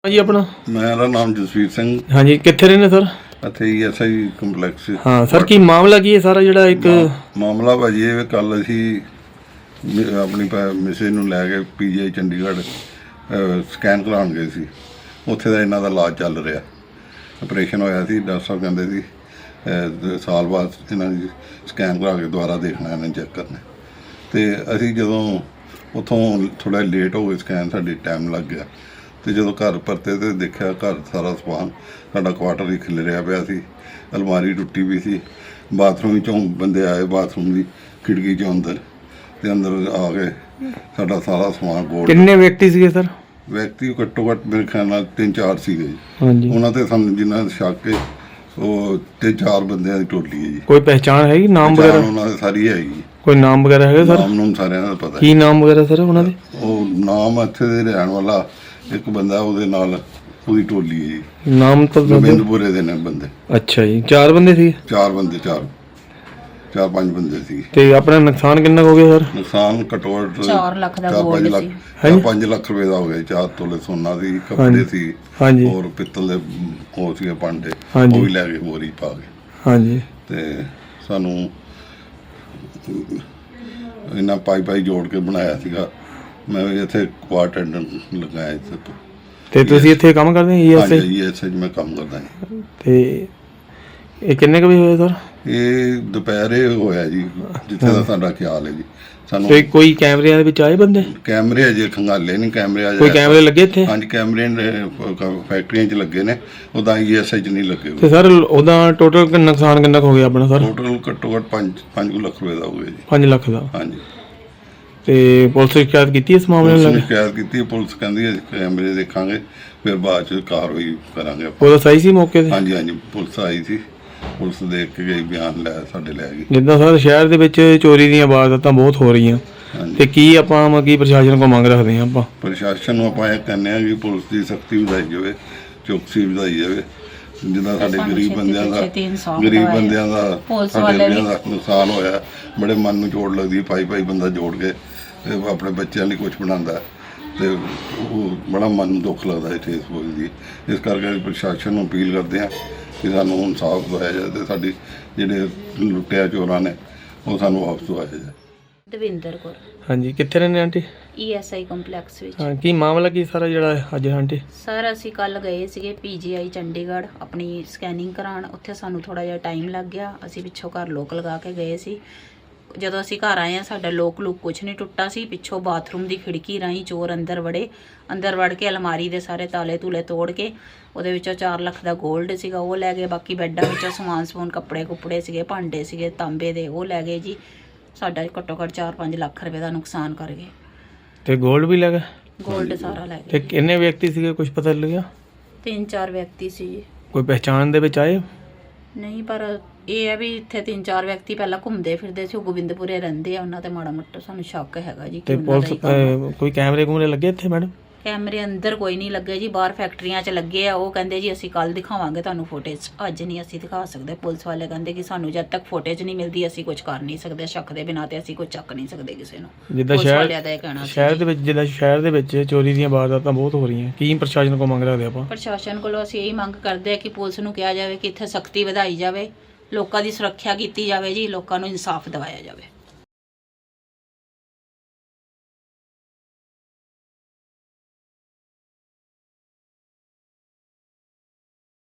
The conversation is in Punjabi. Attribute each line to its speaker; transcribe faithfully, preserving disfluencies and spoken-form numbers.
Speaker 1: जी अपना
Speaker 2: मेरा नाम जसवीर सिंह।
Speaker 1: हाँ जी कितने रहने सर?
Speaker 2: ਇੱਥੇ ਹੀ ਐਸ ਆਈ ਕੰਪਲੈਕਸ।
Speaker 1: हाँ सर की मामला की है सारा ਜਿਹੜਾ ਇੱਕ
Speaker 2: ਮਾਮਲਾ ਭਾਜੀ ਇਹ ਕੱਲ ਅਸੀਂ ਮ- ਆਪਣੀ ਮਿਸੇ ਨੂੰ ਲੈ ਕੇ ਪੀਜੀਆਈ ਚੰਡੀਗੜ੍ਹ ਸਕੈਨ ਕਰਾਉਣ ਗਏ ਸੀ। ਉੱਥੇ ਦਾ ਇਹਨਾਂ ਦਾ ਇਲਾਜ ਚੱਲ ਰਿਹਾ, ਆਪਰੇਸ਼ਨ ਹੋਇਆ ਸੀ। ਡਾਕਟਰ ਸਾਹਿਬ ਕਹਿੰਦੇ ਸੀ ਅਹ, ਸਾਲ ਬਾਅਦ ਇਹਨਾਂ ਦੀ ਸਕੈਨ ਕਰਾ ਕੇ ਦੁਬਾਰਾ ਦੇਖਣਾ, ਇਹਨਾਂ ਚੈੱਕ ਕਰਨਾ। ਤੇ ਅਸੀਂ ਜਦੋਂ ਉੱਥੋਂ ਥੋੜ੍ਹਾ ਲੇਟ ਹੋ ਗਏ, ਸਕੈਨ ਸਾਡੀ ਟਾਈਮ ਲੱਗ ਗਿਆ। ਤੇ ਜਦੋਂ ਘਰ ਪਰਤੇ ਤੇ ਦੇਖਿਆ ਘਰ ਸਾਰਾ ਸਮਾਨ ਸਾਡਾ ਕੁਆਟਰ ਹੀ ਖਿਲਰਿਆ ਪਿਆ ਸੀ, ਅਲਮਾਰੀ ਟੁੱਟੀ ਵੀ ਸੀ। ਬਾਥਰੂਮ ਵਿੱਚੋਂ ਬੰਦੇ ਆਏ, ਬਾਥਰੂਮ ਦੀ ਖਿੜਕੀ 'ਚੋਂ ਅੰਦਰ ਤੇ ਅੰਦਰ ਆ ਕੇ ਸਾਡਾ ਸਾਰਾ ਸਮਾਨ ਗੋਲ।
Speaker 1: ਕਿੰਨੇ ਵਿਅਕਤੀ ਸੀਗੇ ਸਰ?
Speaker 2: ਵਿਅਕਤੀ ਘੱਟੋ ਘੱਟ ਮੇਰੇ ਖਿਆਲ ਨਾਲ ਤਿੰਨ ਚਾਰ ਸੀਗੇ ਜੀ।
Speaker 1: ਹਾਂਜੀ
Speaker 2: ਉਹਨਾਂ ਤੇ ਸਾਨੂੰ ਜਿੰਨਾ ਸ਼ੱਕ ਹੈ ਉਹ ਤਿੰਨ ਚਾਰ ਬੰਦਿਆਂ ਦੀ ਟੋਲੀ ਹੈ ਜੀ।
Speaker 1: ਕੋਈ ਪਹਿਚਾਣ ਹੈਗੀ, ਨਾਮ
Speaker 2: ਪਹਿਚਾਣ
Speaker 1: ਵਗੈਰਾ?
Speaker 2: ਉਹਨਾਂ ਦੀ ਸਾਰੀ ਹੈਗੀ।
Speaker 1: ਕੋਈ ਨਾਮ ਵਗੈਰਾ ਹੈਗਾ ਸਰ?
Speaker 2: ਨਾਮ ਨੂੰ ਸਾਰਿਆਂ ਦਾ ਪਤਾ
Speaker 1: ਕੀ ਨਾਮ ਵਗੈਰਾ ਸਰ ਉਹਨਾਂ ਦੇ?
Speaker 2: ਉਹ ਨਾਮ ਇੱਥੇ ਦੇ ਰਹਿਣ ਵਾਲਾ ਇੱਕ ਬੰਦਾ, ਉਹਦੇ ਨਾਲ ਉਹਦੀ ਟੋਲੀ ਹੈ ਜੀ।
Speaker 1: ਨਾਮ ਤਾਂ ਦੱਸ ਦਿਓ।
Speaker 2: ਗੋਬਿੰਦਪੁਰੇ ਦੇ ਨੇ ਬੰਦੇ।
Speaker 1: ਅੱਛਾ ਜੀ, ਚਾਰ ਬੰਦੇ ਸੀ?
Speaker 2: ਚਾਰ ਬੰਦੇ, ਚਾਰ ਚਾਰ ਪੰਜ ਬੰਦੇ ਸੀ।
Speaker 1: ਤੇ ਆਪਣਾ ਨੁਕਸਾਨ ਕਿੰਨਾ ਕੁ ਹੋ ਗਿਆ ਸਰ?
Speaker 2: ਨੁਕਸਾਨ ਘੱਟੋ ਘੱਟ
Speaker 3: ਚਾਰ ਲੱਖ ਦਾ
Speaker 2: ਚਾਰ ਪੰਜ
Speaker 3: ਗੋਲਡ
Speaker 2: ਲੱਖ
Speaker 3: ਸੀ।
Speaker 2: ਚਾਰ ਪੰਜ ਲੱਖ ਰੁਪਏ ਦਾ ਹੋ ਗਿਆ। ਚਾਰ ਤੋਲੇ ਸੋਨਾ ਸੀ, ਕੱਪੜੇ ਸੀ,
Speaker 1: ਹਾਂਜੀ
Speaker 2: ਹੋਰ ਪਿੱਤਲ ਦੇ ਉਹ ਸੀਗੇ ਭਾਂਡੇ,
Speaker 1: ਹਾਂਜੀ।
Speaker 2: ਉਹ ਵੀ ਲੈ ਕੇ ਬੋਰੀ ਪਾ ਕੇ।
Speaker 1: ਹਾਂਜੀ
Speaker 2: ਤੇ ਸਾਨੂੰ ਇਹਨਾਂ ਪਾਈ ਪਾਈ ਜੋੜ ਕੇ ਬਣਾਇਆ ਸੀਗਾ। ਮੈਂ ਵੀ ਇੱਥੇ ਕੁਆਟਰ ਲਗਾਇਆ ਇੱਥੇ ਤੋਂ।
Speaker 1: ਤੇ ਤੁਸੀਂ ਇੱਥੇ ਕੰਮ ਕਰਦੇ ਹੋ
Speaker 2: ਹਾਂਜੀ
Speaker 1: ਈਐਸਆਈ?
Speaker 2: ਜੀ, ਇੱਥੇ ਮੈਂ ਕੰਮ ਕਰਦਾ ਹਾਂ।
Speaker 1: ਤੇ ਇਹ ਕਿੰਨੇ ਕੁ ਵਜੇ ਹੋਇਆ ਸਰ?
Speaker 2: ਇਹ ਦੁਪਹਿਰੇ ਹੋਇਆ ਜੀ, ਜਿੱਥੇ ਦਾ ਸਾਡਾ ਖਿਆਲ ਹੈ ਜੀ। ਸਾਨੂੰ
Speaker 1: ਤੇ ਕੋਈ ਕੈਮਰਿਆਂ ਦੇ ਵਿੱਚ ਆਏ ਬੰਦੇ?
Speaker 2: ਕੈਮਰੇ ਅਜੇ ਖੰਗਾਲੇ ਨਹੀਂ, ਕੈਮਰੇ ਅਜੇ
Speaker 1: ਕੋਈ ਕੈਮਰੇ ਲੱਗੇ ਇੱਥੇ?
Speaker 2: ਹਾਂਜੀ ਕੈਮਰੇ ਨੇ ਫੈਕਟਰੀਆਂ 'ਚ ਲੱਗੇ ਨੇ, ਉਦਾਂ ਈਐਸਆਈ 'ਚ ਨਹੀਂ ਲੱਗੇ।
Speaker 1: ਤੇ ਸਰ ਉਹਦਾ ਟੋਟਲ ਨੁਕਸਾਨ ਕਿੰਨਾ ਕੁ ਹੋ ਗਿਆ ਆਪਣਾ ਸਰ?
Speaker 2: ਟੋਟਲ ਘੱਟੋ ਘੱਟ ਪੰਜ ਪੰਜ ਲੱਖ ਰੁਪਏ ਦਾ ਹੋ ਗਿਆ ਜੀ।
Speaker 1: ਪੰਜ ਲੱਖ ਦਾ?
Speaker 2: ਹਾਂਜੀ।
Speaker 1: ਤੇ ਪੁਲਿਸ ਨੇ ਸ਼ਿਕਾਇਤ ਕੀਤੀ ਇਸ ਮਾਮਲੇ
Speaker 2: ਪੁਲਿਸ
Speaker 1: ਨੂੰ
Speaker 2: ਨੇ
Speaker 1: ਲੈ ਕੇ?
Speaker 2: ਸ਼ਿਕਾਇਤ ਕੀਤੀ, ਪੁਲਿਸ ਕਹਿੰਦੀ ਹੈ ਕੈਮਰੇ ਦੇਖਾਂਗੇ, ਫਿਰ ਬਾਅਦ 'ਚ ਕਾਰਵਾਈ ਕਰਾਂਗੇ ਆਪਾਂ।
Speaker 1: ਪੁਲਿਸ ਆਈ ਸੀ ਮੌਕੇ ਤੇ?
Speaker 2: ਹਾਂਜੀ ਹਾਂਜੀ, ਪੁਲਿਸ ਆਈ ਸੀ, ਪੁਲਿਸ ਦੇਖ ਕੇ ਗਈ, ਬਿਆਨ ਲੈ ਸਾਡੇ ਲੈ ਗਈ।
Speaker 1: ਜਿੱਦਾਂ ਸਰ ਸ਼ਹਿਰ ਦੇ ਵਿੱਚ ਚੋਰੀ ਦੀਆਂ ਵਾਰਦਾਤਾਂ ਬਹੁਤ ਹੋ ਰਹੀਆਂ,
Speaker 2: ਹਾਂਜੀ।
Speaker 1: ਤੇ ਕੀ ਆਪਾਂ ਮ- ਕੀ ਪ੍ਰਸ਼ਾਸਨ ਕੋਲ ਮੰਗ ਰੱਖਦੇ ਹਾਂ ਆਪਾਂ?
Speaker 2: ਪ੍ਰਸ਼ਾਸਨ ਨੂੰ ਆਪਾਂ ਇਹ ਕਹਿੰਦੇ ਹਾਂ ਕਿ ਪੁਲਿਸ ਦੀ ਸਖਤੀ ਵਧਾਈ ਜਾਵੇ, ਚੌਕਸੀ ਵਧਾਈ ਜਾਵੇ। ਜਿੱਦਾਂ ਸਾਡੇ
Speaker 3: ਸਾਨੂੰ
Speaker 2: ਗਰੀਬ
Speaker 3: ਛੇਤੀ
Speaker 2: ਬੰਦਿਆਂ
Speaker 3: ਤੋਂ
Speaker 2: ਦਾ
Speaker 3: ਛੇਤੀ ਇਨਸਾਫ਼
Speaker 2: ਗਰੀਬ
Speaker 3: ਦਿਵਾਏ।
Speaker 2: ਬੰਦਿਆਂ ਦਾ
Speaker 3: ਪੁਲਿਸ
Speaker 2: ਸਾਡੇ
Speaker 3: ਵਾਲੇ
Speaker 2: ਬੰਦਿਆਂ
Speaker 3: ਵੀ-
Speaker 2: ਦਾ ਨੁਕਸਾਨ ਹੋਇਆ, ਬੜੇ ਮਨ ਨੂੰ ਚੋਟ ਲੱਗਦੀ ਹੈ। ਪਾਈ ਪਾਈ ਬੰਦਾ ਜੋੜ ਕੇ ਤੇ ਆਪਣੇ ਬੱਚਿਆਂ ਲਈ ਕੁਝ ਬਣਾਉਂਦਾ ਹੈ, ਤੇ ਉਹ ਬੜਾ ਮਨ ਨੂੰ ਦੁੱਖ ਲੱਗਦਾ ਹੈ ਠੇਸ ਪਹੁੰਚਦੀ ਹੈ। ਇਸ ਕਰਕੇ ਪ੍ਰਸ਼ਾਸਨ ਨੂੰ ਅਪੀਲ ਕਰਦੇ ਹਾਂ ਕਿ ਸਾਨੂੰ ਇਨਸਾਫ ਦਿਵਾਇਆ ਜਾਏ ਤੇ ਸਾਡੀ ਜਿਹੜੇ ਲੁੱਟਿਆ ਚੋਰਾਂ ਨੇ ਉਹ ਸਾਨੂੰ ਵਾਪਸ ਦਿਵਾਇਆ ਜਾਏ।
Speaker 3: ਦਵਿੰਦਰ ਕੌਰ,
Speaker 1: ਹਾਂਜੀ ਕਿੱਥੇ ਰਹਿੰਦੇ ਆਂਟੀ?
Speaker 3: ਈਐਸਆਈ ਕੰਪਲੈਕਸ ਵਿੱਚ।
Speaker 1: ਹਾਂ ਕੀ ਮਾਮਲਾ ਕੀ ਸਾਰਾ ਜਿਹੜਾ ਅੱਜ ਆਂਟੀ?
Speaker 3: ਸਰ ਅਸੀਂ ਕੱਲ ਗਏ ਸੀਗੇ ਪੀਜੀਆਈ ਚੰਡੀਗੜ੍ਹ ਆਪਣੀ ਸਕੈਨਿੰਗ ਕਰਾਉਣ। ਉੱਥੇ ਸਾਨੂੰ ਥੋੜਾ ਜਿਹਾ ਟਾਈਮ ਲੱਗ ਗਿਆ। ਅਸੀਂ ਪਿੱਛੋਂ ਘਰ ਲੋਕ ਲਗਾ ਕੇ ਗਏ ਸੀ। ਜਦੋਂ ਅਸੀਂ ਘਰ ਆਏ ਆ ਸਾਡਾ ਲੋਕ ਲੁੱਕ ਕੁਛ ਨਹੀਂ ਟੁੱਟਾ ਸੀ। ਪਿੱਛੋਂ ਬਾਥਰੂਮ ਦੀ ਖਿੜਕੀ ਰਾਹੀਂ ਚੋਰ ਅੰਦਰ ਵੜੇ। ਅੰਦਰ ਵੜ ਕੇ ਅਲਮਾਰੀ ਦੇ ਸਾਰੇ ਤਾਲੇ ਤੂਲੇ ਤੋੜ ਕੇ ਉਹਦੇ ਵਿੱਚੋਂ ਚਾਰ ਲੱਖ ਦਾ ਗੋਲਡ ਸੀਗਾ ਉਹ ਲੈ ਗਏ। ਬਾਕੀ ਬੈੱਡਾਂ ਵਿੱਚੋਂ ਸਮਾਨ ਸਮੂਨ, ਕੱਪੜੇ ਕੁੱਪੜੇ ਸੀਗੇ, ਭਾਂਡੇ ਸੀਗੇ ਤਾਂਬੇ ਦੇ, ਉਹ ਲੈ ਗਏ ਜੀ। ਸਾਡਾ ਘੱਟੋ ਘੱਟ ਚਾਰ ਪੰਜ ਲੱਖ ਰੁਪਏ ਦਾ ਨੁਕਸਾਨ ਕਰ ਗਏ।
Speaker 1: ਤੇ ਗੋਲਡ ਵੀ ਲੱਗਾ?
Speaker 3: ਗੋਲਡ ਸਾਰਾ ਲੈ
Speaker 1: ਤੇ
Speaker 3: ਗਏ।
Speaker 1: ਕਿੰਨੇ ਵਿਅਕਤੀ ਸੀਗੇ, ਕੁਝ ਪਤਾ ਲੱਗਿਆ?
Speaker 3: ਤਿੰਨ ਚਾਰ ਵਿਅਕਤੀ ਸੀ ਜੀ।
Speaker 1: ਕੋਈ ਪਹਿਚਾਣ ਦੇ ਵਿੱਚ ਆਏ?
Speaker 3: ਨਹੀਂ, ਪਰ ਇਹ ਹੈ ਵੀ ਇੱਥੇ ਤਿੰਨ ਚਾਰ ਵਿਅਕਤੀ ਪਹਿਲਾਂ ਘੁੰਮਦੇ ਫਿਰਦੇ ਸੀ, ਉਹ ਗੋਬਿੰਦਪੁਰੇ ਰਹਿੰਦੇ ਆ। ਉਹਨਾਂ ਤੇ ਮਾੜਾ ਮੋਟਾ ਸਾਨੂੰ ਸ਼ੱਕ ਹੈਗਾ ਜੀ ਕਿ
Speaker 1: ਤੇ
Speaker 3: ਉਹਨਾਂ ਦਾ
Speaker 1: ਪੁਲਿਸ
Speaker 3: ਹੀ ਕੰਮ ਆ।
Speaker 1: ਅਹ, ਕੋਈ ਕੈਮਰੇ ਕੂਮਰੇ ਲੱਗੇ ਇੱਥੇ ਮੈਡਮ?
Speaker 3: ਕੈਮਰੇ ਅੰਦਰ ਕੋਈ ਨਹੀਂ ਲੱਗੇ ਜੀ, ਬਾਹਰ ਫੈਕਟਰੀਆਂ 'ਚ ਲੱਗੇ ਆ। ਉਹ ਕਹਿੰਦੇ ਜੀ ਅਸੀਂ ਕੱਲ ਦਿਖਾਵਾਂਗੇ ਤੁਹਾਨੂੰ ਫੁਟੇਜ, ਅੱਜ ਨਹੀਂ ਅਸੀਂ ਦਿਖਾ ਸਕਦੇ। ਪੁਲਿਸ ਵਾਲੇ ਕਹਿੰਦੇ ਕਿ ਸਾਨੂੰ ਜਦ ਤੱਕ ਫੁਟੇਜ ਨਹੀਂ ਮਿਲਦੀ ਅਸੀਂ ਕੁਝ ਕਰ ਨਹੀਂ ਸਕਦੇ। ਸ਼ੱਕ ਦੇ ਬਿਨਾਂ ਤੇ ਅਸੀਂ ਕੁਝ ਚੱਕ ਨਹੀਂ ਸਕਦੇ ਕਿਸੇ ਨੂੰ।
Speaker 1: ਜਿੱਦਾਂ
Speaker 3: ਪੁਲਿਸ ਵਾਲਿਆਂ ਦਾ ਇਹ
Speaker 1: ਸ਼ਹਿਰ
Speaker 3: ਕਹਿਣਾ ਸੀ
Speaker 1: ਸ਼ਹਿਰ
Speaker 3: ਜੀ।
Speaker 1: ਦੇ ਵਿੱਚ ਜਿੱਦਾਂ ਸ਼ਹਿਰ ਦੇ ਵਿੱਚ ਚੋਰੀ ਦੀਆਂ ਵਾਰਦਾਤਾਂ ਬਹੁਤ ਹੋ ਰਹੀਆਂ, ਕੀ ਪ੍ਰਸ਼ਾਸਨ ਕੋਲ ਮੰਗ ਰੱਖਦੇ ਆਪਾਂ?
Speaker 3: ਪ੍ਰਸ਼ਾਸਨ ਕੋਲੋਂ ਅਸੀਂ ਇਹੀ ਮੰਗ ਕਰਦੇ ਆ ਕਿ ਪੁਲਿਸ ਨੂੰ ਕਿਹਾ ਜਾਵੇ ਕਿ ਇੱਥੇ ਸਖਤੀ ਵਧਾਈ ਜਾਵੇ, ਲੋਕਾਂ ਦੀ ਸੁਰੱਖਿਆ ਕੀਤੀ ਜਾਵੇ ਜੀ, ਲੋਕਾਂ ਨੂੰ ਇਨਸਾਫ ਦਿਵਾਇਆ ਜਾਵੇ।